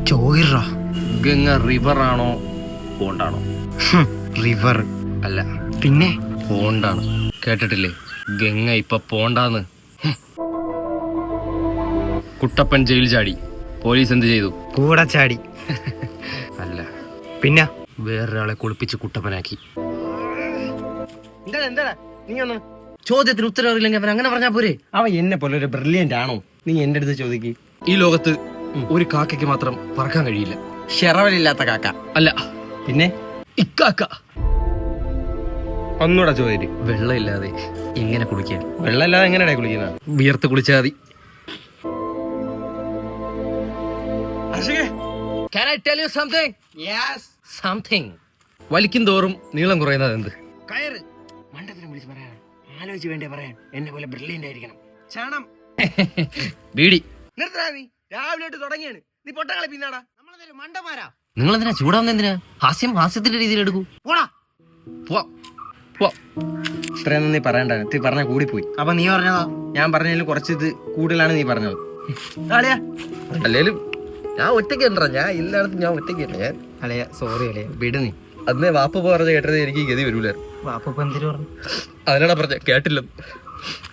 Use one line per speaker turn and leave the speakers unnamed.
ചോയിറാ.
Ganga river ആണോ പോണ്ടാണോ?
River
അല്ല,
പിന്നെ
പോണ്ടാണ്. കേട്ടിട്ടില്ലേ ഗംഗ ഇപ്പൊ പോണ്ടാന്ന്? കുട്ടപ്പൻ ജയിൽ ചാടി, പോലീസ് എന്ത് ചെയ്തു?
കൂടെ ചാടി.
അല്ല,
പിന്നെ
വേറൊരാളെ കുളിപ്പിച്ച് കുട്ടപ്പനാക്കി.
എന്താ നീ ഒന്ന്
ചോദ്യത്തിന് ഉത്തരം അറിയില്ലെങ്കിൽ അവൻ അങ്ങനെ പറഞ്ഞാ പോരെ?
അവൻ എന്നെ പോലെ ഒരു ബ്രില്യന്റ് ആണോ? നീ എന്റെ അടുത്ത് ചോദിക്ക്.
ഈ ലോകത്ത് ഒരു കാക്കയ്ക്ക് മാത്രം പറക്കാൻ കഴിയില്ല.
ഷെറവലില്ലാത്ത കാക്ക.
അല്ല,
പിന്നെ
ഇക്കാക്ക.
ഒന്നുകൂടെ ചോദിക്ക്.
വെള്ളമില്ലാതെ എങ്ങനെ കുളിക്കാൻ?
വെള്ളമില്ലാതെ എങ്ങനെയാ കുളിക്കുന്നത്?
വിയർത്ത് കുളിച്ചാൽ മതി. Can I tell you something?
Yes.
Something. വലിക്കും തോറും നീളം കുറയുന്നത് എന്ത്?
കയറ്. മണ്ടത്തിനെ വിളിച്ച് പറയാൻ ആലോചിച്ച് വേണ്ടേ പറയാൻ. എന്നെ പോലെ ബ്രില്യന്റ് ആയിരിക്കണം. ചാണം.
ബീഡി.
നിർത്തടാ നീ. രാവിലെ തൊട്ട് തുടങ്ങിയാണ്. നീ പൊട്ടങ്ങളെ പിന്നാടാ. നമ്മളെന്തായാലും മണ്ടന്മാരാ.
നിങ്ങൾ എന്തിനാ ചൂടാവുന്ന? എന്തിനാ? ഹാസ്യത്തിന്റെ രീതിയിൽ എടുക്കൂ.
പോടാ.
പോവാ.
ഇത്രയൊന്നും നീ പറയണ്ടായിരുന്നു. നീ പറഞ്ഞ കൂടിപ്പോയി. അപ്പൊ നീ പറഞ്ഞതാ? ഞാൻ പറഞ്ഞതിൽ കുറച്ച് ഇത് കൂടുതലാണ് നീ പറഞ്ഞത്.
അല്ലേലും ഞാൻ ഒറ്റയ്ക്ക് ഉണ്ടാ. ഞാൻ എല്ലായിടത്തും ഞാൻ ഒറ്റയ്ക്ക്. ഞാൻ
അലയ സോറി അലയ വിട് നീ.
അന്നേ വാപ്പ പറഞ്ഞ കേട്ടത് എനിക്ക് ഗതി വരൂല.
വാപ്പ എന്തിനു പറഞ്ഞു?
അതിനാണ് പറഞ്ഞ കേട്ടില്ലെന്ന്.